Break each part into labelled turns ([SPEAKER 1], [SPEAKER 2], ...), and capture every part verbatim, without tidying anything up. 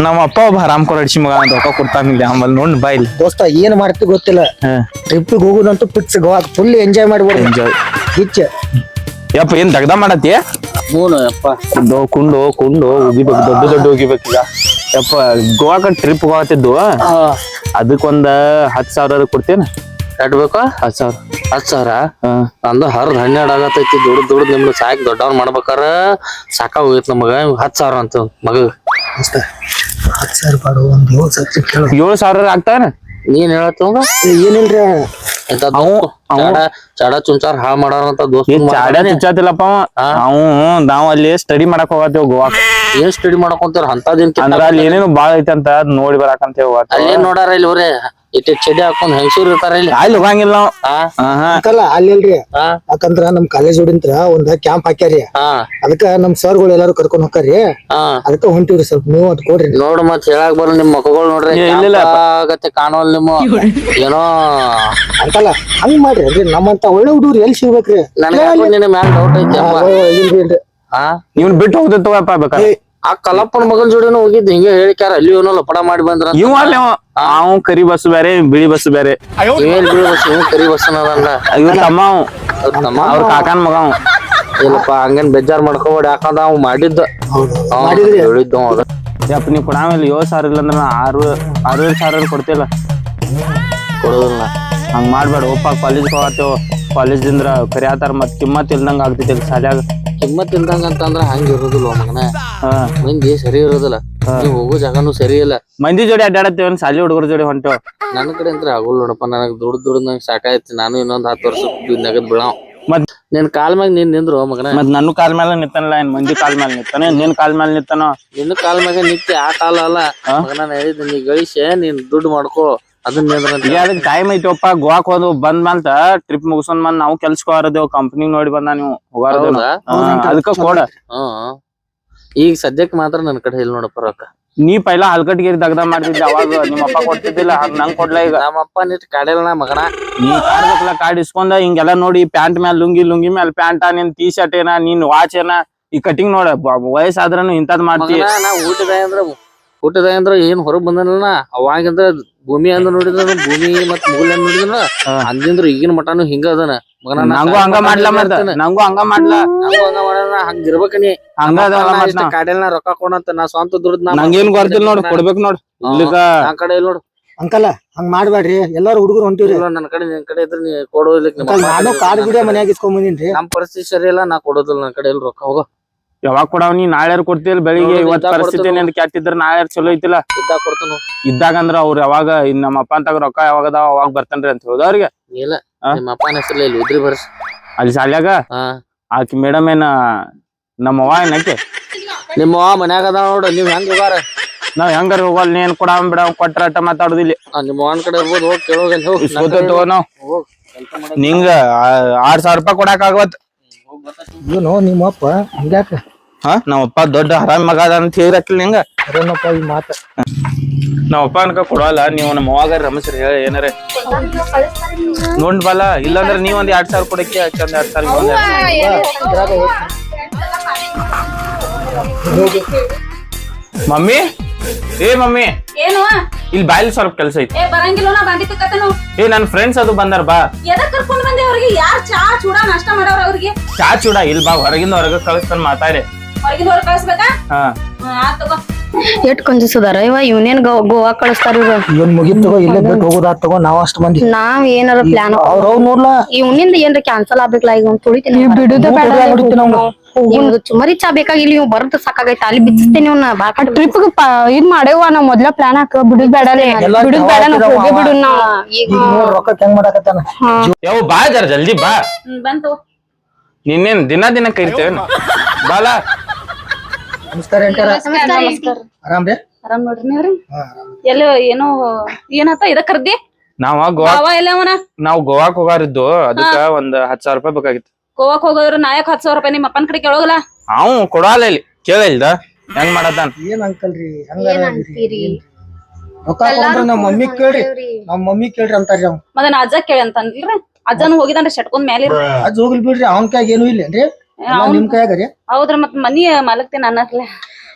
[SPEAKER 1] ನಮ್ಮ ಅಪ್ಪ ಒಬ್ಬ ಹರಾಮ್ ಕೊರಡಿಸಿ ಮಗ ರೊಕ್ಕ ಕೊಡ್ತಾನಿಲ್ಲ ಆಮೇಲೆ ನೋಡ್ ಬಾ ಇಲ್ಲಿ
[SPEAKER 2] ದೋಸ್ತ ಏನ್ ಮಾಡ್ತಿ ಗೊತ್ತಿಲ್ಲ ಟ್ರಿಪ್ಪಿಗೆ ಹೋಗುದಂತೂ ಪಿಕ್ಸ್ ಗೋವಾಕ್ ಫುಲ್ ಎಂಜಾಯ್ ಮಾಡ್ಬೋದು
[SPEAKER 1] ಎಂಜಾಯ್
[SPEAKER 2] ಗಿಚ್ಚ
[SPEAKER 1] ಯಪ್ಪ ಏನ್ ದಗ್ದ ಮಾಡತ್ತಿ
[SPEAKER 3] ಮೂನು ಯಪ್ಪ
[SPEAKER 1] ಕುಂಡು ಕುಂಡು ಕುಂಡು ಉಗಿಬೇಕು ದೊಡ್ಡ ದೊಡ್ಡ ಉಗಿಬೇಕು ಈಗ ಯಪ್ಪ ಗೋವಾಕ ಟ್ರಿಪ್ ಹೋಗತ್ತಿದ್ದು ಅದಕ್ಕೊಂದ ಹತ್ ಸಾವಿರ ಕೊಡ್ತೇನ
[SPEAKER 3] ಕಟ್ಬೇಕು
[SPEAKER 1] ಹತ್ ಸಾವಿರ
[SPEAKER 3] ಹತ್ ಸಾವಿರ ನಂದು ಹರ್ದ್ ಹನ್ನೆರಡ್ ಆಗತೈತಿ ದುಡ್ದು ದುಡ್ದು ನಿಮ್ದು ಸಾಕ್ ದೊಡ್ಡವ್ರ ಮಾಡ್ಬೇಕಾರ ಸಾಕ ಹೋಗಿತ್ ನಮಗ ಹತ್ ಸಾವಿರ ಅಂತ ಮಗ
[SPEAKER 2] ಹತ್ತು ಸಾವಿರ ಬಾಡು ಒಂದ್ ಏಳು ಸಾವಿರ ಕೇಳು
[SPEAKER 1] ಏಳು ಸಾವಿರ ಆಗ್ತಾನ
[SPEAKER 3] ನೀನ್ ಹೇಳತ್ತವಂಗ
[SPEAKER 2] ಏನಿಲ್ರಿ
[SPEAKER 3] ಚಾಡ ಚಾಡ ಚುಂಚಾರ್ ಹಾಳ್ ಮಾಡಾರಂತ ದೋಸ್ತ
[SPEAKER 1] ಚಾಡ ಚುಚ್ಚಾತಿಲ್ಲಪ್ಪ ನಾವು ನಾವ್ ಅಲ್ಲಿ ಸ್ಟಡಿ ಮಾಡಕ್ ಹೋಗತ್ತೇವ್ ಗೋವಾಕ್
[SPEAKER 3] ಏನ್ ಸ್ಟಡಿ ಮಾಡಕೊಂತಾರ ಅಂತದೇನ್
[SPEAKER 1] ಅಂದ್ರ ಅಲ್ಲಿ ಏನೇನು ಬಾಳ ಐತಿ ಅಂತ ಅದ್ ನೋಡಿ ಬರಾಕಂತ ಹೋಗತ್ತ
[SPEAKER 3] ಅಲ್ಲೇನ್ ನೋಡಾರ ಇಲ್ಲಿ ಅವ್ರೆ ಇಟ್ಟಿ ಚಡಿ ಹಾಕೊಂಡ್ ಹೆಂಗಸೂರ್ ಇರ್ತಾರ ಇಲ್ಲಿ
[SPEAKER 1] ಅಲ್ಲಿ ಹೋಗಂಗಿಲ್ಲ ನಾವು
[SPEAKER 2] ಅಂಕಲ್ಲ ಅಲ್ಲಿ ಅಲ್ರಿ ಯಾಕಂದ್ರ ನಮ್ ಕಾಲೇಜ್ ಹುಡಿಂತ್ರ ಒಂದ್ ಕ್ಯಾಂಪ್ ಹಾಕ್ಯಾರಿ ಅದಕ್ಕ ನಮ್ ಸರ್ಗಳು ಎಲ್ಲಾರು ಕರ್ಕೊಂಡ್ ಹೋಗ್ತಾರಿ ಅದಕ್ಕ ಹೊಂಟಿವ್ರಿ ಸ್ವಲ್ಪ ನೀವು ಅದ್ ಕೊಡ್ರಿ
[SPEAKER 3] ನೋಡ್ ಮತ್ ಹೇಳಾಕ್ ಬರ ನಿಮ್ ಮಕ್ಕಳು ನೋಡ್ರಿ ಆಗತ್ತೆ ಕಾಣೋಲ್ ನಿಮ್ಮ ಏನೋ
[SPEAKER 2] ಅಂಕಲ್ಲ ಹಂಗ್ ಮಾಡ್ರಿ ಅಲ್ರಿ ನಮ್ಮಂತ ಒಳ್ಳೆ ಹುಡುಗ್ರು ಎಲ್ಲಿ ಸಿಗ್ಬೇಕ್ರಿ
[SPEAKER 3] ನನ್ಗ ನಿನ್ನ ಮ್ಯಾಲ ಡೌಟ್ ಐತಿ
[SPEAKER 2] ಇಲ್ರಿ ಇಲ್ರಿ
[SPEAKER 1] ಹಾ ನೀವ್ ಬಿಟ್ಟು ಹೋಗ್ತೇವ ಬೇಕಾದ್ರೆ
[SPEAKER 3] ಆ ಕಲ್ಲಪ್ಪನ ಮಗನ್ ಜೋಡಿನೂ ಹೋಗಿದ್ ಹಿಂಗೆ ಹೇಳಿಕ್ಯಾರ ಅಲ್ಲಿ ಏನೋ ಲಪಡ ಮಾಡಿ ಬಂದ್ರ
[SPEAKER 1] ಇವ್ ಅಲ್ಲಿ ಅವ್ ಕರಿ ಬಸ್ ಬೇರೆ ಬಿಳಿ ಬಸ್ ಬೇರೆ
[SPEAKER 3] ಇವೇನ್ ಬಿಳಿ ಬಸ್ ಇವ್ ಕರಿ ಬಸ್ ಅನ್ನೋದಲ್ಲ
[SPEAKER 1] ಇವ್ರ ತಮ್ಮ
[SPEAKER 3] ನಮ್ಮ
[SPEAKER 1] ಅವ್ರ ಕಾಕನ್ ಮಗ ಅವ್
[SPEAKER 3] ಇಲ್ಲಪ್ಪ ಹಂಗೇನ್ ಬೇಜಾರ್ ಮಾಡ್ಕೋಬೇಡಿ ಯಾಕಂದ್ರ ಅವ್ ಮಾಡಿದ್ದ ಹೇಳಿದ್ದ ಅದ
[SPEAKER 1] ಯಪ್ಪ ನೀವ್ ಕೊಡಾಮೇಲೆ ಏಳ್ ಸಾವಿರ ಇಲ್ಲ ಅಂದ್ರ ಆರು ಆರೂವರೆ ಸಾವಿರ ಕೊಡ್ತಿಲ್ಲ
[SPEAKER 3] ಕೊಡೋದಿಲ್ಲ
[SPEAKER 1] ಹಂಗ್ ಮಾಡ್ಬೇಡ ಒಪ್ಪ ಕಾಲೇಜ್ ಹೋಗತ್ತೇವ್ ಕಾಲೇಜ್ ದಿಂದ್ರ ಕರಿಯಾತಾರ ಮತ್ ಕಿಮ್ಮತ್ ಇಲ್ದಂಗ ಆಗ್ತೈತಿ ಶಾಲ್ಯಾಗ
[SPEAKER 3] ಕಿಮ್ಮತ್ ಇಲ್ದಂಗ ಅಂತಂದ್ರ ಹಂಗ ಇರೋದಿಲ್ಲ ಮಗನ ಮಂದಿ ಸರಿ ಇರೋದಿಲ್ಲ ನೀವ್ ಹೋಗೋ ಜಾಗನು ಸರಿ ಇಲ್ಲ
[SPEAKER 1] ಮಂದಿ ಜೋಡಿ ಅಡ್ಡಾಡತ್ತೇವ್ ಶಾಲಿ ಹುಡುಗರ ಜೋಡಿ ಹೊಂಟೇವ್
[SPEAKER 3] ನನ್ನ ಕಡೆ ಅಂತ ಆಗೋಲ್ ನೋಡಪ್ಪ ನನಗ್ ದುಡ್ಡು ದುಡ್ದು ನಂಗೆ ಸಾಕಾಯ್ತಿ ನಾನು ಇನ್ನೊಂದ್ ಹತ್ತು ವರ್ಷ ನಗದ್ ಬಿಡಾವ್
[SPEAKER 1] ಮತ್
[SPEAKER 3] ನಿನ್ ಕಾಲ್ ಮ್ಯಾಗ ನೀನ್ ನಿಂದ್ರು ಮಗನ
[SPEAKER 1] ಮತ್ ನನ್ನ ಕಾಲ್ ಮೇಲೆ ನಿಂತಾನಲ್ಲ ಏನ್ ಮಂದಿ ಕಾಲ್ ಮೇಲೆ ನಿಂತಾನೆ ನಿನ್ ಕಾಲ್ ಮೇಲೆ ನಿಂತಾನ
[SPEAKER 3] ನಿನ್ನ ಕಾಲ್ ಮ್ಯಾಗ ನಿತ್ಯ ಆ ಕಾಲ ಅಲ್ಲ ಮಗನ ಹೇಳಿದ್ ನೀ ಗಳಿಸಿ ನೀನ್ ದುಡ್ಡು ಮಾಡ್ಕೋ ಅದನ್ನ
[SPEAKER 1] ಈಗ ಅದಕ್ಕೆ ಟೈಮ್ ಐತಿವಪ್ಪ ಗೋವಾಕ್ ಹೋದ್ ಬಂದ್ ಮಾಲ್ತ ಟ್ರಿಪ್ ಮುಗಿಸೊಂದ್ ಬಂದ್ ನಾವು ಕೆಲ್ಸಕ್ಕೆ ಹೋರದೇವ್ ಕಂಪ್ನಿ ನೋಡಿ ಬಂದ ನೀವು ಹೋಗಾರದೇವ್ ಅದಕ್ಕ ಕೊಡ
[SPEAKER 3] ಹ್ಮ್ ಈಗ ಸದ್ಯಕ್ ಮಾತ್ರ ನನ್ ಕಡೆ ಇಲ್ಲ ನೋಡಪ್ಪ ರೊಕ್ಕ
[SPEAKER 1] ನೀ ಪೈಲಾ ಹಲ್ಕಟ್ಗಿರಿ ದಗ್ದ ಮಾಡ್ತಿದ್ದೆ ಅವಾಗ ನಿಮ್ಮ ಅಪ್ಪ ಕೊಡ್ತಿದ್ದಿಲ್ಲ ನಂಗ್ ಕೊಡ್ಲಾ ಈಗ
[SPEAKER 3] ನಮ್ಮಪ್ಪ ನಿಟ್ ಕಾಡಿಲ್ಲ ಮಗನ
[SPEAKER 1] ನೀ ಕಾಡ್ಬೇಕಲ್ಲ ಕಾಡ್ ಇಸ್ಕೊಂಡ ಹಿಂಗೆಲ್ಲಾ ನೋಡಿ ಪ್ಯಾಂಟ್ ಮ್ಯಾಲ ಲುಂಗಿ ಲುಂಗಿ ಮ್ಯಾಲ ಪ್ಯಾಂಟ ನಿನ್ ಟೀ ಶರ್ಟ್ ಏನ ನೀನ್ ವಾಚ್ ಏನ ಈ ಕಟಿಂಗ್ ನೋಡ ವಯಸ್ಸಾದ್ರನು ಇಂತದ್ ಮಾಡ್ತಿ
[SPEAKER 3] ನಾ ಊಟದ ಅಂದ್ರ ಊಟದ ಅಂದ್ರ ಏನ್ ಹೊರಗ್ ಬಂದನಲ್ಲ ಅವಾಗಿಂದ್ರ ಭೂಮಿ ಅಂದ್ರ ನೋಡಿದ್ರ ಭೂಮಿ ಮತ್ ಮುಗುಲ್ ಅಂದ್ ನೋಡಿದ್ರ ಅಂದಿಂದ್ರ ಈಗಿನ ಮಟಾನು ಹಿಂಗ ಅದನ
[SPEAKER 1] ನಂಗೂ ಹಂಗ ಮಾಡ್ಲಾ ಮತ್ತ ನಂಗೂ ಹಂಗ ಮಾಡ್ಲಾ
[SPEAKER 3] ನಂಗೂ ಹಂಗ ಮಾಡೋಣ ಹಂಗ ಇರ್ಬೇಕ ನೀ ಹಂಗ ಕಾಡೆಲ್ ನಾ ರೊಕ್ಕ ಕೊಡಂತ ನಾ ಸ್ವಂತ ದುಡ್ದು
[SPEAKER 1] ನಂಗೇನ್ ಗೊತ್ತಿಲ್ಲ ನೋಡ್ ಕೊಡ್ಬೇಕು ನೋಡ್ ಇಲ್ಲಿಗ
[SPEAKER 3] ನನ್ ಕಡೆ ಇಲ್ಲ ನೋಡು
[SPEAKER 2] ಅಂಕಲ್ಲ ಹಂಗ್ ಮಾಡ್ಬೇಡ್ರಿ ಎಲ್ಲಾರು ಹುಡುಗರು ಹೊಂಟಿವ್ರಿ
[SPEAKER 3] ನನ್ ಕಡೆ ನಿನ್ ಕಡೆ ಇದ್ರ ನೀ ಕೊಡೋದಿಲ್ಲ
[SPEAKER 2] ನಾನು ಕಾಡ್ ಗುಡಿಯ ಮನ್ಯಾಗ ಇಸ್ಕೊಂಡ್ ಬಂದಿನ್ರಿ
[SPEAKER 3] ನಮ್ ಪರಿಸ್ಥಿತಿ ಸರಿ ಇಲ್ಲ ನಾ ಕೊಡೋದಿಲ್ಲ ನನ್ ಕಡೆ ಇಲ್ಲ ರೊಕ್ಕ ಹೋಗೋ
[SPEAKER 1] ಯಾವಾಗ ಕೊಡವ್ ನೀ ನಾಳೆ ಕೊಡ್ತಿಲ್ ಬೆಳಿಗ್ಗೆ ಇವತ್ ಪರಿಸ್ಥಿತಿ ನಿಂದ ಕೆಟ್ಟಿದ್ರ ನಾಳೆ ಚಲೋ ಐತಿಲ್ಲ
[SPEAKER 3] ಇದ್ದಾಗ ಕೊಡ್ತಾನ
[SPEAKER 1] ಇದ್ದಾಗ ಅಂದ್ರ ಅವ್ರ ಯಾವಾಗ ನಮ್ಮ ಅಪ್ಪ ಅಂತಾಗ ರೊಕ್ಕ ಯಾವಾಗ ಅದಾವ ಅವಾಗ ಬರ್ತನ್ರಿ ಅಂತ ಹೋದ ಅವ್ರಿಗೆ
[SPEAKER 3] ಇಲ್ಲ ನಿಮ್ಮ ಅಪ್ಪನ ಹೆಸರ್ಲಿ ಇಲ್ಲಿ ಉದ್ರಿ ಬರ್ಸ್
[SPEAKER 1] ಅಲ್ಲಿ ಶಾಲ್ಯಾಗ ಆಕಿ ಮೇಡಮ್ ಏನ ನಮ್ಮ ಅವ್ವ ಏನಕ್ಕೆ
[SPEAKER 3] ನಿಮ್ಮ ಅವ್ವ ಮನ್ಯಾಗ ಅದ ನೋಡು ನೀವ್ ಹೆಂಗ್ ಹೋಗಾರ
[SPEAKER 1] ನಾವ್ ಹೆಂಗಾರ ಹೋಗಲ್ ನೀನ್ ಕೊಡ ಬಿಡ ಕೊಟ್ರ ಅಟ್ಟ ಮಾತಾಡುದಿಲ್ಲ
[SPEAKER 3] ನಿಮ್ಮ ಅವ್ವನ ಕಡೆ ಇರ್ಬೋದು ಹೋಗಿ ಕೇಳೋಗಲ್ಲಿ ಹೋಗಿ
[SPEAKER 1] ತಗೋ ನಾವ್ ನಿಂಗ ಆರ್ ಸಾವಿರ ರೂಪಾಯಿ ಕೊಡಾಕ್ ಆಗವತ್
[SPEAKER 2] ಏನು ನಿಮ್ಮಪ್ಪ ಹಂಗ್ಯಾಕ
[SPEAKER 1] ಹಾ ನಾವಪ್ಪ ದೊಡ್ಡ ಹರಾಮ್ ಮಗ ಅದ ಅಂತ ಹೇಳಿರಕ್ಕಿಲ್ಲ ನಿಂಗ
[SPEAKER 2] ಅರೇನಪ್ಪ ಈ ಮಾತ
[SPEAKER 1] ನಾವಪ್ಪ ಅನ್ಕ ಕೊಡವಲ್ಲ ನೀವು ನಮ್ಮ ಅವಾಗ ರಮೇಶ್ರಿ ಹೇಳಿ ಏನಾರ ನೋಡ್ ಬಲ್ಲ ಇಲ್ಲಾಂದ್ರ ನೀವ್ ಒಂದ್ ಎರಡ್ ಸಾವಿರ ಕೊಡಕ್ಕೆ ಚಂದ ಎರಡ್ ಸಾವಿರ ಮಮ್ಮಿ ಏ ಮಮ್ಮಿ
[SPEAKER 4] ಏನು
[SPEAKER 1] ಇಲ್ಲಿ ಬಾಯಲ್ಲಿ ಸ್ವಲ್ಪ ಕೆಲಸ ಐತಿ
[SPEAKER 4] ಏ ಬರಂಗಿಲ್ಲ ನಾ ಬಾಂಡಿ ತಕ್ಕತನು
[SPEAKER 1] ಏ ನನ್ ಫ್ರೆಂಡ್ಸ್ ಅದು ಬಂದಾರ ಬಾ
[SPEAKER 4] ಎದಕ್ ಕರ್ಕೊಂಡ್ ಬಂದೆ ಅವ್ರಿಗೆ ಯಾರ್ ಚಾ ಚೂಡ ನಾಷ್ಟ ಮಾಡೋರು ಅವ್ರಿಗೆ
[SPEAKER 1] ಚಾ ಚೂಡ ಇಲ್ ಬಾ ಹೊರಗಿಂದ ಹೊರಗ ಕಳಿಸ್ತಾನ ಮಾತಾಡಿ
[SPEAKER 4] ಹೊರಗಿಂದ ಹೊರಗೆ ಕಳಿಸ್ಬೇಕಾ
[SPEAKER 1] ಹಾ
[SPEAKER 4] ಆತ್ ತಗೋ
[SPEAKER 5] ಎಷ್ಟ್ ಕಂಜಸದಾರ ಇವ ಇವನೇನ್ ಗೋವಾ ಕಳಿಸ್ತಾರ ಇವ್ರು
[SPEAKER 2] ಇವನ್ ಮುಗಿತ್ ತಗೋ ಇಲ್ಲೇ ಬಿಟ್ಟು ಹೋಗೋದಾತ್ ತಗೋ ನಾವ್ ಅಷ್ಟ್ ಮಂದಿ
[SPEAKER 5] ನಾವ್ ಏನಾರ ಪ್ಲಾನ್
[SPEAKER 2] ಅವ್ರ ಅವ್ರ ನೋಡ್ಲಾ
[SPEAKER 5] ಇವನಿಂದ ಏನ್ರ ಕ್ಯಾನ್ಸಲ್ ಆಗ್ಬೇಕಲ್ಲ ಈಗ ಒಂದ್ ತುಳಿತೀನಿ ಇವ್ನು ಚುಮರಿ ಚಾ ಬೇಕಾಗಿಲ್ಲ ಇವ್ ಬರದ್ ಸಾಕಾಗೈತ ಅಲ್ಲಿ ಬಿಚ್ಚಿಸ್ತೇನೆ ಇವ್ನ ಬಾಕಟ್
[SPEAKER 6] ಟ್ರಿಪ್ ಇದ್ ಮಾಡೇವ ನಾವ್ ಮೊದ್ಲ ಪ್ಲಾನ್ ಹಾಕ ಬಿಡುದ್ ಬೇಡಲೇ ಬಿಡುದ್ ಬೇಡ ನಾವ್ ಹೋಗಿ ಬಿಡು ನಾವ್
[SPEAKER 2] ಈಗ ನೋಡ್ ರೊಕ್ಕ ಹೆಂಗ್ ಮಾಡಾಕತ್ತಾನ
[SPEAKER 1] ಯಾವ ಬಾ ಜರ ಜಲ್ದಿ ಬಾ
[SPEAKER 4] ಬಂತು
[SPEAKER 1] ನಿನ್ನೇನ್ ದಿನ ದಿನ ಕರಿತೇವ ಬಾಲ
[SPEAKER 2] ನಮಸ್ಕಾರ ಆರಾಮ್ ರೀ
[SPEAKER 4] ಆರಾಮ್ ನೋಡ್ರಿ ನೀವ್ರಿ ಎಲ್ಲ ಏನೋ ಏನಾತ ಇದ ಕರ್ದಿ
[SPEAKER 1] ನಾವ ಗೋವಾ
[SPEAKER 4] ಬಾವ ಎಲ್ಲ ಅವನ
[SPEAKER 1] ನಾವ್ ಗೋವಾಕ್ ಹೋಗಾರಿದ್ದು ಅದಕ್ಕ ಒಂದ್ ಹತ್ ಸಾವಿರ ರೂಪಾಯಿ ಬೇಕಾಗಿತ್ತು
[SPEAKER 4] ಗೋವಾಕ್ ಹೋಗೋದ್ರ ನಾಯಕ್ ಹತ್ ಸಾವಿರ ರೂಪಾಯಿ ನಿಮ್ಮ ಅಪ್ಪನ ಕಡೆ ಕೇಳೋಗಲ್ಲ
[SPEAKER 1] ಅವ್ ಕೊಡಲ್ಲ ಇಲ್ಲಿ ಕೇಳಿಲ್ದ ಹೆಂಗ್ ಮಾಡತಾನ
[SPEAKER 2] ಏನ್ ಅಂಕಲ್ರಿ ಹಂಗಾರಿ ರೊಕ್ಕ ಕೊಡ್ರ ನಮ್ ಮಮ್ಮಿ ಕೇಳ್ರಿ ನಮ್ ಮಮ್ಮಿ ಕೇಳ್ರಿ ಅಂತಾರ್ರಿ ಅವ್
[SPEAKER 4] ಮದನ್ ಅಜ್ಜ ಕೇಳಿ ಅಂತನ್ರಿ ಅಜ್ಜನು ಹೋಗಿದಾನ್ರಿ ಶಟ್ಕೊಂಡ್ ಮೇಲೆ
[SPEAKER 2] ಅಜ್ಜ ಹೋಗ್ಲಿ ಬಿಡ್ರಿ ಅವ್ನ ಕೈಯಾಗ ಏನು ಇಲ್ಲೇನ್ರಿ ನಿಮ್ ಕೈಯಾಗ ರೀ
[SPEAKER 4] ಹೌದ್ರ ಮತ್ ಮನಿ ಮಾಲಕ್ತೇನ ಅನ್ನರ್ಲೆ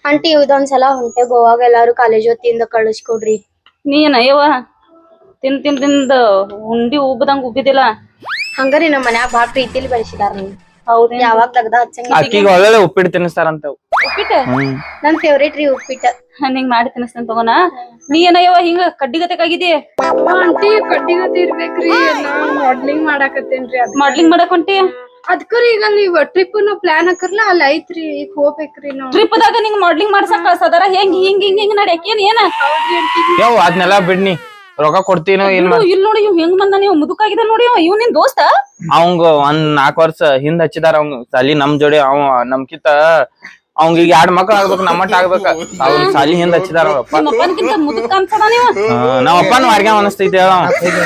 [SPEAKER 7] ಆಂಟಿ ಇದೊಂದ್ಸಲ ಹೊಂಟೆ ಗೋವಾಗ ಎಲ್ಲಾರು ಕಾಲೇಜ್ ಹೊತ್ತಿಂದ ಕಳಿಸ್ಕೊಡ್ರಿ.
[SPEAKER 4] ನೀನ ಯವ್ವ ತಿನ್ ತಿನ್ ತಿಂದ ಉಂಡಿ ಉಬ್ಬದಂಗ ಉಬ್ಬಿದಿಲ್ಲ.
[SPEAKER 7] ಹಂಗಾರಿ ನಮ್ ಮನ್ಯಾಗ ಬಾಳ ಪ್ರೀತಿಲಿ ಬೆಳೆಸಿದಾರ ನೀವು.
[SPEAKER 4] ಹೌದೇನ್
[SPEAKER 7] ಯಾವಾಗ ತೆಗ್ದ ಹಚ್ಚಂಗ.
[SPEAKER 1] ಅಕ್ಕಿಗೆ ಒಳ್ಳೆ ಉಪ್ಪಿಟ್ಟು ತಿನ್ನಿಸ್ತಾರಂತ.
[SPEAKER 4] ಉಪ್ಪಿಟ್ಟ
[SPEAKER 7] ನನ್ ಫೇವ್ರೇಟ್ ರೀ ಉಪ್ಪಿಟ್ಟ.
[SPEAKER 4] ನಿಂಗ್ ಮಾಡಿ ತಿನ್ನಿಸ್ತೇನೆ ತಗೋನ. ನೀ ಏನಯ್ಯವ ಹಿಂಗ ಕಡ್ಡಿಗತೆಗಾಗಿದಿ?
[SPEAKER 6] ಆಂಟಿ ಕಡ್ಡಿಗತಿ ಇರ್ಬೇಕ್ರಿ ನಾ ಮಾಡ್ಲಿಂಗ್ ಮಾಡಾಕತ್ತೇನ್ರಿ ಅದ್
[SPEAKER 4] ಮಾಡ್ಲಿಂಗ್ ಮಾಡಕ್ ಹೊಂಟಿ?
[SPEAKER 6] ಅದ್ಕರಿ ಈಗ ನೀವ್ ಟ್ರಿಪ್ ನ ಪ್ಲಾನ್ ಹಾಕರ್ಲ ಅಲ್ಲಿ ಐತ್ರಿ ಈಗ ಹೋಗ್ಬೇಕ್ರಿ ನಾವ್.
[SPEAKER 4] ಟ್ರಿಪ್ ದಾಗ ನಿಂಗ್ ಮಾಡ್ಲಿಂಗ್ ಮಾಡ್ಸಕ್ ಕಳ್ಸದಾರ ಹೆಂಗ್ ಹಿಂಗ್ ಹಿಂಗ್ ಹಿಂಗ್ ನಡ್ಯಾಕ ಏನ್ ಏನ?
[SPEAKER 1] ಯಾವ ಅದ್ನೆಲ್ಲ ಬಿಡ್ನಿ ರೊಕ್ಕ ಕೊಡ್ತೀನೋ ಏನ್
[SPEAKER 4] ಇವ್ನು ಇಲ್ ನೋಡಿ ಇವ್ ಹೆಂಗ್ ಬಂದ ನೀವು ಮುದುಕಾಗಿದ ನೋಡಿ ಇವ್ ನಿನ್ ದೋಸ್ತ?
[SPEAKER 1] ಅವಂಗ ಒಂದ್ ನಾಲ್ಕು ವರ್ಷ ಹಿಂದ್ ಹಚ್ಚಿದಾರ ಅವಂಗ ಸಾಲಿ ನಮ್ ಜೋಡಿ ಅವ ನಮ್ಕಿತ ಅವಂಗ ಈಗ ಎರಡ್ ಮಕ್ಳು ಆಗ್ಬೇಕು ನಮ್ಮಟ್ಟ ಆಗ್ಬೇಕ ಅವ್ನ ಸಾಲಿ ಹಿಂದ್ ಹಚ್ಚಿದಾರ ಅವ್ರ ಅಪ್ಪ.
[SPEAKER 4] ನಿಮ್ಮ ಅಪ್ಪನ್ಕಿಂತ ಮುದುಕ ಅನ್ಸದ ನೀವು?
[SPEAKER 1] ನಾವ್ ಅಪ್ಪನ ವಾರ್ಗೆ ಅನಸ್ತೈತಿ ಹೇಳ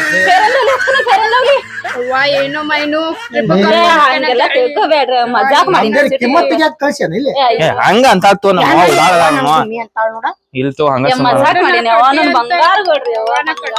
[SPEAKER 6] ಅವ್ವ ಏನೋ ಮೈನು
[SPEAKER 4] ಹಂಗೆಲ್ಲ ತಿಳ್ಕೊಬೇಡ್ರ ಮಜಾಕ್ ಮಾಡಿ
[SPEAKER 2] ಕಿಮ್ಮತ್ತಿಗೆ ಯಾಕೆ ಕಳ್ಸ್ಯಾನ ಇಲ್ಲಿ?
[SPEAKER 1] ಹಂಗ ಅಂತ ತೋ ನಮ್ಮ ಅವ್ವ ಉಡಾಳ ಅದಾಳ ನಮ್ಮ ಅವ್ವ.
[SPEAKER 7] ಮಮ್ಮಿ ಅಂತಾಳ ನೋಡ.
[SPEAKER 1] ಇಲ್ ತೋ ಹಂಗ ಸುಮ್ಮ
[SPEAKER 4] ಮಜಾಕ್ ಮಾಡೀನಿ ಅವ್ವ ನನ್ ಬಂಗಾರ ಗಡ್ರಿ ಅವ್ವ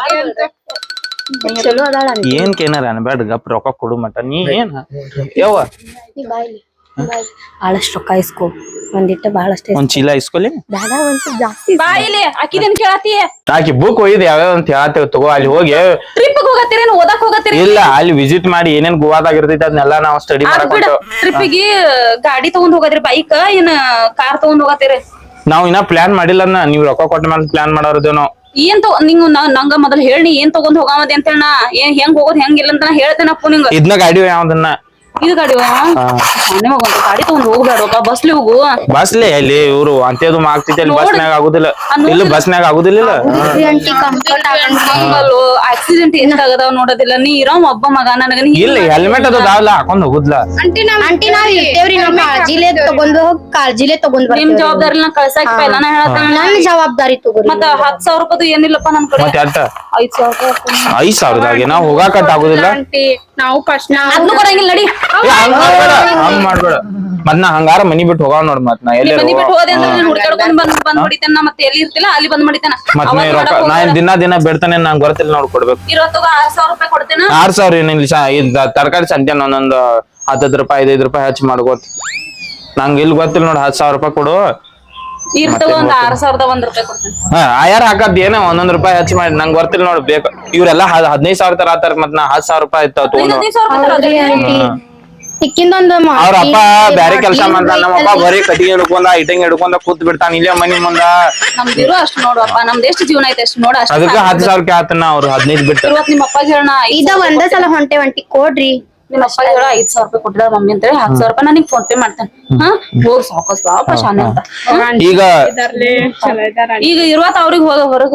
[SPEAKER 7] ಚಲೋ ಅದಾಳ ಆಂಟಿ.
[SPEAKER 1] ಏನ್ ಕೇನಾರ ಅನ್ಬೇಡ ಗಪ್ ರೊಕ್ಕ ಕೊಡು ಮಟ ನೀ ಏನ್ ಯವ್ವ
[SPEAKER 7] ನೀ ಬಾಯ್ಲಿ
[SPEAKER 5] ಬಹಳಷ್ಟು ರೊಕ್ಕ ಇಸ್ಕೊ ಒಂದಿಟ್ಟ ಬಹಳಷ್ಟು
[SPEAKER 1] ಒಂದ್ ಚೀಲ ಇಸ್ಕೊಲಿ
[SPEAKER 7] ಬೇಡ ಒಂದ್ ಸ್ವಲ್ಪ ಜಾಸ್ತಿ.
[SPEAKER 4] ಬಾ ಇಲ್ಲಿ ಅಕ್ಕಿದೇನ್ ಕೇಳತಿ?
[SPEAKER 1] ಆಕಿ ಬುಕ್ ಒಯ್ದು ಯಾವ್ಯಾವ ಅಂತ ಹೇಳ್ತೇವ್ ತಗೋ ಅಲ್ಲಿ ಹೋಗಿ
[SPEAKER 4] ಟ್ರಿಪ್ ಹೋಗತ್ತೀರೇನು ಓದಾಕ್ ಹೋಗತ್ತೀರಿ?
[SPEAKER 1] ಇಲ್ಲ ಅಲ್ಲಿ ವಿಸಿಟ್ ಮಾಡಿ ಏನೇನ್ ಗೋವಾದಾಗ ಇರ್ತೈತಿ ಅದನ್ನೆಲ್ಲ ನಾವ್ ಸ್ಟಡಿ ಮಾಡಕ್ ಹೊಂಟೇವ್.
[SPEAKER 4] ಟ್ರಿಪ್ಪಿಗೆ ಗಾಡಿ ತಗೊಂಡ್ ಹೋಗತ್ರಿ ಬೈಕ್ ಏನ್ ಕಾರ್ ತಗೊಂಡ್ ಹೋಗತ್ತೀರಿ?
[SPEAKER 1] ನಾವ್ ಇನ್ನ ಪ್ಲಾನ್ ಮಾಡಿಲ್ಲ ಅದ್ನ ನೀವ್ ರೊಕ್ಕ ಕೊಟ್ಟ ಮೇಲೆ ಪ್ಲಾನ್ ಮಾಡೋರ್ದೇವ್ ನಾವ್.
[SPEAKER 4] ಏನ್ ತಗೋ ನಿಂಗ್ ನ- ನಂಗ ಮೊದಲ್ ಹೇಳಿ ಏನ್ ತಗೊಂಡ್ ಹೋಗಾಮದಿ ಅಂತ ಹೇಳ ಏನ್ ಹೆಂಗ್ ಹೋಗೋದ್ ಹೆಂಗಿಲ್ಲ ಅಂತ ನಾ ಹೇಳ್ತೇನಪ್ಪ ನಿಂಗ.
[SPEAKER 1] ಇದ್ನ ಗಾಡಿ ಯಾವ್ದನ್ನ
[SPEAKER 4] ಇದು ಗಾಡಿ ನಿಮಗ ಒಂದು ಗಾಡಿ ತಗೊಂಡ್ ಹೋಗ್ಬೇಡ ಬಸ್ಲಿ ಹೋಗು.
[SPEAKER 1] ಬಸ್ಲೆ ಅಲ್ಲಿ ಇವ್ರು ಅಂತೇದು ಆಗ್ತೈತಿ ಅಲ್ಲಿ ಬಸ್ನಾಗ ಆಗುದಿಲ್ಲ ಇಲ್ಲ ಬಸ್ನಾಗ ಆಗುದಿಲ್ಲ
[SPEAKER 7] ಆಂಟಿ ಕಂಫರ್ಟ್
[SPEAKER 4] ಆಕ್ಸಿಡೆಂಟ್ ಎಷ್ಟ್ ಆಗದಾವ್ ನೋಡೋದಿಲ್ಲ. ನೀ ಇರೋ ಒಬ್ಬ ಮಗ ನನಗ ನೀ
[SPEAKER 1] ಇಲ್ಲ ಹೆಲ್ಮೆಟ್ ಅದು ದಾವಲ್ಲ ಹಾಕೊಂಡ್ ಹೋಗುದ್ಲ.
[SPEAKER 6] ಆಂಟಿ ನಮ್
[SPEAKER 7] ಆಂಟಿ ನಾವ್ ಇರ್ತೇವ್ರಿ ನಮ್ ಕಾಳಜಿಲೆ ತಗೊಂಡ್ ಹೋಗ್ ಕಾಳಜಿಲೆ ತಗೊಂಡ್
[SPEAKER 4] ನಿಮ್
[SPEAKER 7] ಬರ್ತೀವಿ.
[SPEAKER 4] ಜವಾಬ್ದಾರಿ ಕಳ್ಸಾಕ್ ಪೈಲಾನ ಹೇಳತ್ತೇನ.
[SPEAKER 7] ನನ್ ಜವಾಬ್ದಾರಿ ತಗೋರಿ.
[SPEAKER 4] ಮತ್ತ ಹತ್ ಸಾವಿರ ರೂಪಾಯಿ ಏನಿಲ್ಲಪ್ಪ ನನ್ ಕಡೆ.
[SPEAKER 1] ಮತ್ತೆ ಅಟ್ಟ
[SPEAKER 4] ಐದ್ ಸಾವಿರ ರೂಪಾಯಿ
[SPEAKER 1] ಐದ್ ಸಾವಿರದಾಗೆ ನಾವ್ ಹೋಗಾಕಟ್ ಆಗುದಿಲ್ಲ.
[SPEAKER 6] ಆಂಟಿ ನಾವು ಫಸ್ಟ್
[SPEAKER 4] ಅದ್ನು ಕೊಡಂಗಿಲ್ಲ ನಡಿ.
[SPEAKER 1] ಏ, ಹಂಗ್ ಮಾಡ್ಬೇಡ ಹಂಗ್ ಮಾಡ್ಬೇಡ ಮತ್ ನಾ ಹಂಗಾರ ಮನಿ ಬಿಟ್ಟು ಹೋಗಾವ್ ನೋಡ್ ಮತ್ ನಾ ಎಲ್ಲೇ
[SPEAKER 4] ಮನಿ ಬಿಟ್ಟು ಹೋದೆ ಅಂದ್ರೆ ನೀನ್ ಹುಡ್ಕಾಡ್ಕೊಂಡ್ ಬಂದ್ ಬಂದ್ ಹೊಡಿತೇನ ಮತ್ತೆ ಎಲ್ಲಿ ಇರ್ತಿಲ್ಲ ಅಲ್ಲಿ ಬಂದ್ ಮಾಡಿತೇನ.
[SPEAKER 1] ಮತ್ ನೀ ರೊಕ್ಕ ನಾ ಏನ್ ದಿನ ದಿನ ಬೇಡ್ತಾನೆ ನಂಗ್ ಗೊತ್ತಿಲ್ಲ ನೋಡ್ ಕೊಡ್ಬೇಕು.
[SPEAKER 4] ಇರೋತ್ತಗ ಆರ್ ಸಾವಿರ ರೂಪಾಯಿ ಕೊಡ್ತೇನ.
[SPEAKER 1] ಆರ್ ಸಾವಿರ ಏನಿಲ್ಲ ತರಕಾರಿ ಸಂತ್ಯಾನ ಒಂದೊಂದು ಹತ್ತತ್ತು ರೂಪಾಯಿ ಐದೈದು ರೂಪಾಯಿ ಹಚ್ಚಿ ಮಾಡ್ಕೋತ ನಂಗ್ ಇಲ್ಲಿ ಗೊತ್ತಿಲ್ಲ ನೋಡ್ ಹತ್ತು ಸಾವಿರ ರೂಪಾಯಿ ಕೊಡು.
[SPEAKER 4] ಇರ್ತವ ಒಂದ್ ಆರ್ ಸಾವಿರದ ಒಂದ್ ರೂಪಾಯಿ ಕೊಡ್ತೇನೆ.
[SPEAKER 1] ಹಾ ಆಯಾರ ಹಾಕದ್ ಏನ ಒಂದೊಂದ್ ರೂಪಾಯಿ ಹಚ್ಚಿ ಮಾಡಿ ನಂಗ್ ಗೊತ್ತಿಲ್ಲ ನೋಡ್ ಬೇಕು ಇವ್ರೆಲ್ಲಾ ಹದಿನೈದು ಸಾವಿರ ತರ ಆತಾರ ಮತ್ ನಾ ಹತ್ತು ಸಾವಿರ ರೂಪಾಯಿ ಆಯ್ತಾವ ತಗೊಂಡು.
[SPEAKER 4] ಹದಿನೈದು ಸಾವಿರ ರೂಪಾಯಿ
[SPEAKER 7] ಹೌದ್ರಿ ಆಂಟಿ. ಸಿಕ್ಕಿಂದೊಂದು
[SPEAKER 1] ಅವ್ರ ಅಪ್ಪ ಬ್ಯಾರೆ ಕೆಲ್ಸ ಮಾಡ್ತಾನ ನಮ್ಮ ಅಪ್ಪ ಬರೀ ಕಟ್ಟಿಗೆ ಹಿಡ್ಕೊಂಡ ಇಟಂಗ್ ಹಿಡ್ಕೊಂಡ ಕೂತ್ ಬಿಡ್ತಾನ ಇಲ್ಲೇ ಮನಿ ಮುಂದ.
[SPEAKER 4] ನಮ್ದಿರೋ ಅಷ್ಟ್ ನೋಡಪ್ಪ ನಮ್ದು ಎಷ್ಟು ಜೀವನ ಐತೆ ಅಷ್ಟು ನೋಡ ಅಷ್ಟು.
[SPEAKER 1] ಅದಕ್ಕ ಹತ್ತು ಸಾವಿರಕ್ಕೆ ಆತನ ಅವ್ರು ಹದಿನೈದು ಬಿಟ್ಟು.
[SPEAKER 4] ಇವತ್ ನಿಮ್ಮ ಅಪ್ಪ ಹೇಳೋಣ
[SPEAKER 7] ಇದ ಒಂದ ಸಲ ಹೊಂಟೆ ಒಂಟಿ ಕೊಡ್ರಿ.
[SPEAKER 4] ನಿಮ್ಮ ಅಪ್ಪ ಹೇಳ ಐದ್ ಸಾವಿರ ರೂಪಾಯಿ ಕೊಟ್ಟಿದ ಮಮ್ಮಿ ಅಂತ ಹೇಳಿ ಹತ್ತು ಸಾವಿರ ರೂಪಾಯಿ ನನಗೆ ಫೋನ್ ಪೇ ಮಾಡ್ತೇನೆ. ಹಾ ಹೋಗ್ ಸಾಕಸ್ ಬಾಪ ಶಾನೆ ಅಂತ.
[SPEAKER 1] ಈಗ
[SPEAKER 6] ಚಲೋ ಇದಾರ.
[SPEAKER 4] ಈಗ ಇರುವತ್ ಅವ್ರಿಗೆ ಹೋಗ ಹೊರಗ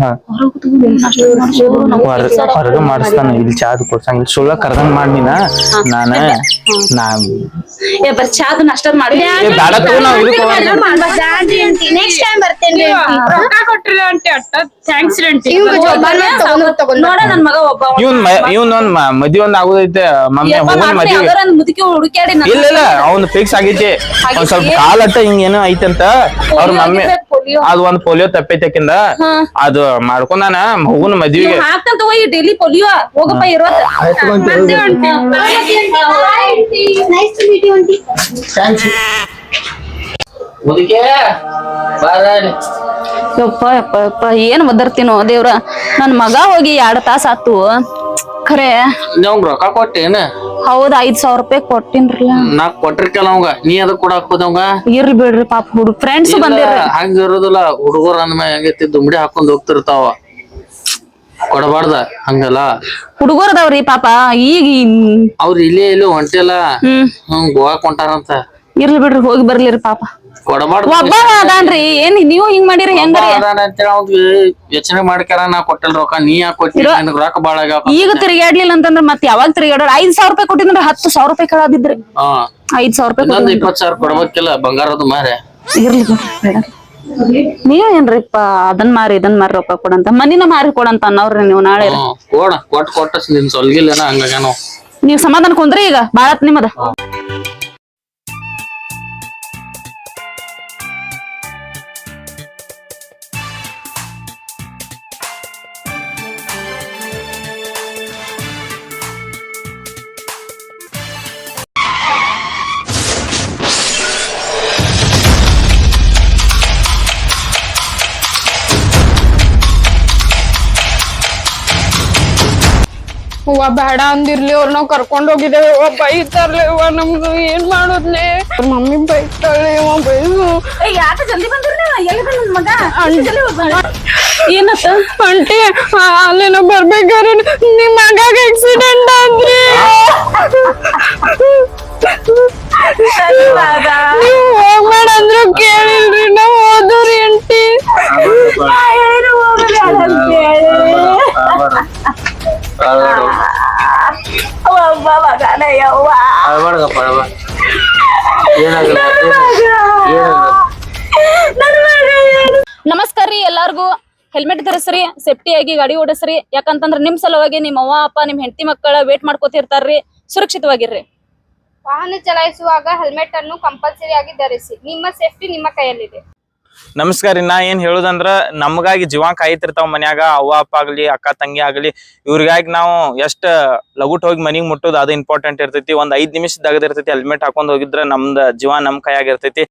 [SPEAKER 1] ಹೊರಗ ಮಾಡಿಸ್ತಾನ ಇಲ್ಲಿ ಚಾದ್ ಕೊಡ್ಸಂಗ ಇಲ್ಲಿ ಸುಳ್ಳ ಕರ್ದಂಗ್ ಮಾಡಿನ ನಾನ ನಾ
[SPEAKER 4] ಏ ಬರ್ ಚಾದ್ ನಾಷ್ಟ ಮಾಡಿ
[SPEAKER 1] ಬ್ಯಾಡ ತಗೋ ನಾವ್ ಇದಕ್ಕೆ
[SPEAKER 7] ನೆಕ್ಸ್ಟ್ ಟೈಮ್ ಬರ್ತೇನ್ರಿ ಆಂಟಿ.
[SPEAKER 6] ರೊಕ್ಕ ಕೊಟ್ರಿ ಆಂಟಿ ಅಟ್ಟ ಥ್ಯಾಂಕ್ಸ್ ಆಂಟಿ.
[SPEAKER 7] ಇವ್ಗ ಜೋಪಾನ ತಗೊಂಡ್ ತಗೊಂಡ್
[SPEAKER 4] ನೋಡ ನನ್ ಮಗ ಒಬ್ಬ
[SPEAKER 1] ಇವನ್ ಇವನ್ ಒಂದ್ ಮದ್ವಿ ಒಂದ್ ಆಗುದೈತೆ ಮಮ್ಮಿ ಹೋಗೋನ್ ಮದ್ವಿ
[SPEAKER 4] ಮುದುಕಿ ಹುಡುಕ್ಯಾಡಿ
[SPEAKER 1] ಇಲ್ಲ ಇಲ್ಲ ಅವ್ನ್ ಫಿಕ್ಸ್ ಆಗೈತಿ ಒಂದ್ ಸ್ವಲ್ಪ ಕಾಲಟ್ಟ ಹಿಂಗ ಏನೋ ಐತಂತ ಅವ್ರ ಮಮ್ಮಿ ಅದ್ ಒಂದ್ ಪೋಲಿಯೋ ತಪ್ಪೈತಕಿಂದ ಅದು ಮಾಡ್ಕೊಂಡಾನ ಹೋಗುನ್ ಮದ್ವಿಗೆ
[SPEAKER 4] ಹಾಕ್ತಂತ ಹೋಗಿ ಡೈಲಿ ಪೊಲಿಯೋ ಹೋಗಪ್ಪ ಇರೋದ್.
[SPEAKER 7] Nice to meet you aunty.
[SPEAKER 3] ಮುದುಕೆ ಬಾರಾಡಿ.
[SPEAKER 4] ಯಪ್ಪ ಯಪ್ಪ ಯಪ್ಪ ಏನ್ ಒದರ್ತೀನೋ ದೇವ್ರ ನನ್ ಮಗ ಹೋಗಿ ಎರಡ್ ತಾಸ ಆತು ಖರೆ.
[SPEAKER 3] ನೀವ್ ರೊಕ್ಕ ಕೊಟ್ಟೇನ?
[SPEAKER 4] ಹೌದ್ ಐದ್ ಸಾವಿರ ರೂಪಾಯಿ ಕೊಟ್ಟಿನ್ರಲ್ಲ.
[SPEAKER 3] ನಾ ಕೊಟ್ಟಿರ್ಕಲ್ಲ ಅವಂಗ ನೀ ಅದ ಕೊಡಾಕ್ ಹೋದವಂಗ.
[SPEAKER 4] ಇರ್ಲಿ ಬಿಡ್ರಿ ಪಾಪ ಹುಡುಗ ಫ್ರೆಂಡ್ಸ್ ಬಂದಿರ್ರಿ.
[SPEAKER 3] ಹಂಗ ಇರೋದಿಲ್ಲ ಹುಡುಗರ ಅಂದ್ಮೇಲೆ ಹೆಂಗೈತಿ ದುಮ್ಡಿ ಹಾಕೊಂಡ್ ಹೋಗ್ತಿರ್ತಾವ ಕೊಡಬಾರ್ದ ಹಂಗಲ್ಲ.
[SPEAKER 4] ಹುಡುಗರದವ್ರಿ ಪಾಪ ಈಗ
[SPEAKER 3] ಅವ್ರ ಇಲ್ಲೇ ಇಲ್ಲೇ ಹೊಂಟಿಲ್ಲ
[SPEAKER 4] ಹ್ಮ್
[SPEAKER 3] ಹ್ಮ್ ಗೋವಾಕ್ ಹೊಂಟಾರಂತ.
[SPEAKER 4] ಇರ್ಲಿ ಬಿಡ್ರಿ ಹೋಗಿ ಬರ್ಲಿರಿ ಪಾಪ.
[SPEAKER 3] ಕೊಡಬಾರ್ದು
[SPEAKER 4] ಒಬ್ಬ ಅದಾನ್ರಿ ಏನ್ ನೀವು ಹಿಂಗ್ ಮಾಡಿರಿ ಹೆಂಗ್ರಿ?
[SPEAKER 3] ಅಂತೇಳಿ ಅವ್ಗ ಯೋಚನೆ ಮಾಡ್ಕ್ಯಾರ ನಾ ಕೊಟ್ಟಿಲ್ ರೊಕ್ಕ ನೀ ಯಾಕೆ ಕೊಟ್ಟಿ ನನಗ್ ರೊಕ್ಕ ಬಾಳ ಆಗ್ಯಾವ.
[SPEAKER 4] ಈಗ ತಿರ್ಗಾಡ್ಲಿಲ್ಲ ಅಂತಂದ್ರ ಮತ್ ಯಾವಾಗ ತಿರ್ಗಾಡೋರ್ ಐದ್ ಸಾವಿರ ರೂಪಾಯಿ ಕೊಟ್ಟಿದ್ರ ಹತ್ತು ಸಾವಿರ ರೂಪಾಯಿ ಕೇಳಾದಿದ್ರಿ.
[SPEAKER 3] ಹಾ
[SPEAKER 4] ಐದ್ ಸಾವಿರ ರೂಪಾಯಿ
[SPEAKER 3] ಇನ್ನೊಂದ್ ಇಪ್ಪತ್ ಸಾವಿರ ಕೊಡ್ಬೇಕಿಲ್ಲ ಬಂಗಾರದ ಮಾರೆ.
[SPEAKER 4] ಇರ್ಲಿ ಬಿಡ್ರಿ ಬೇಡ. ನೀವ್ ಏನ್ರಿಪ್ಪ ಅದನ್ ಮಾರಿ ಇದನ್ ಮಾರಿ ರೊಕ್ಕ ಕೊಡಂತ ಮನಿನ ಮಾರಿ ಕೊಡಂತ ಅನ್ನವ್ರಿ ನೀವು ನಾಳೆ.
[SPEAKER 3] ಹ್ಮ್ ಕೊಡ ಕೊಟ್ ಕೊಟ್ಟ ನಿನ್ ಸೊಲ್ಗಿಲ್ಲೇನ ಹಂಗಾಗ್ಯಾನೋ.
[SPEAKER 4] ನೀವ್ ಸಮಾಧಾನ ಕುಂದ್ರಿ ಈಗ ಬಾಳತ್ ನಿಮ್ಮದ.
[SPEAKER 6] ಹೂವ ಬೇಡ ಅಂದಿರ್ಲಿ ಅವ್ರ ನಾವ್ ಕರ್ಕೊಂಡ್ ಹೋಗಿದ್ದೇವೆ ಅವ್ವ ಬೈತಾರ್ಲಿ ಅವ್ವ ನಮ್ದು ಏನ್ ಮಾಡೋದ್ಲೆ ಮಮ್ಮಿ ಬೈತಾಳೆ ಅವ ಬೈಸು
[SPEAKER 4] ಯಾಕ ಜಲ್ದಿ ಬಂದ್ರಿ ಎಲ್ಲಿ ಬಂದ ಮಗ ಏನತ್ತ
[SPEAKER 6] ಅಂಟಿ ಅಲ್ಲೇನೋ ಬರ್ಬೇಕಾದ್ರೆ ನಿಮ್ ಮಗಾಗ ಆಕ್ಸಿಡೆಂಟ್ ಆದ್ರಿ ನೀವ್ ಹೋಗ್ಬೇಡ ಅಂದ್ರು ಕೇಳಿಲ್ರಿ ನಾವ್ ಹೋದ್ರಿ ಅಂಟಿ
[SPEAKER 4] ನಮಸ್ಕಾರ ರೀ ಎಲ್ಲಾರ್ಗು ಹೆಲ್ಮೆಟ್ ಧರಿಸ್ರಿ ಸೇಫ್ಟಿ ಆಗಿ ಗಾಡಿ ಓಡಿಸ್ರಿ ಯಾಕಂತಂದ್ರ ನಿಮ್ ಸಲುವಾಗಿ ನಿಮ್ ಅವ್ವ ಅಪ್ಪ ನಿಮ್ ಹೆಂಡತಿ ಮಕ್ಕಳ ವೇಟ್ ಮಾಡ್ಕೋತಿರ್ತಾರ್ರಿ ಸುರಕ್ಷಿತವಾಗಿರ್ರಿ
[SPEAKER 8] ವಾಹನ ಚಲಾಯಿಸುವಾಗ ಹೆಲ್ಮೆಟ್ ಅನ್ನು ಕಂಪಲ್ಸರಿ ಆಗಿ ಧರಿಸಿ ನಿಮ್ಮ ಸೇಫ್ಟಿ ನಿಮ್ಮ ಕೈಯಲ್ಲಿದೆ
[SPEAKER 1] ನಮಸ್ಕಾರ ರೀ ನಾ ಏನ್ ಹೇಳುದಂದ್ರ ನಮಗಾಗಿ ಜೀವ ಕಾಯ್ತಿರ್ತಾವ ಮನ್ಯಾಗ ಅವ್ವ ಅಪ್ಪ ಆಗ್ಲಿ ಅಕ್ಕ ತಂಗಿ ಆಗ್ಲಿ ಇವ್ರಿಗಾಗಿ ನಾವು ಎಷ್ಟ್ ಲಗುಟ್ ಹೋಗಿ ಮನಿಗ್ ಮುಟ್ಟೋದು ಅದು ಇಂಪಾರ್ಟೆಂಟ್ ಇರ್ತೈತಿ ಒಂದ್ ಐದ್ ನಿಮಿಷ ದಗದ್ ಇರ್ತೈತಿ ಹೆಲ್ಮೆಟ್ ಹಾಕೊಂಡ್ ಹೋಗಿದ್ರ ನಮ್ದ ಜೀವ ನಮ್ ಕೈಯಾಗ ಇರ್ತೈತಿ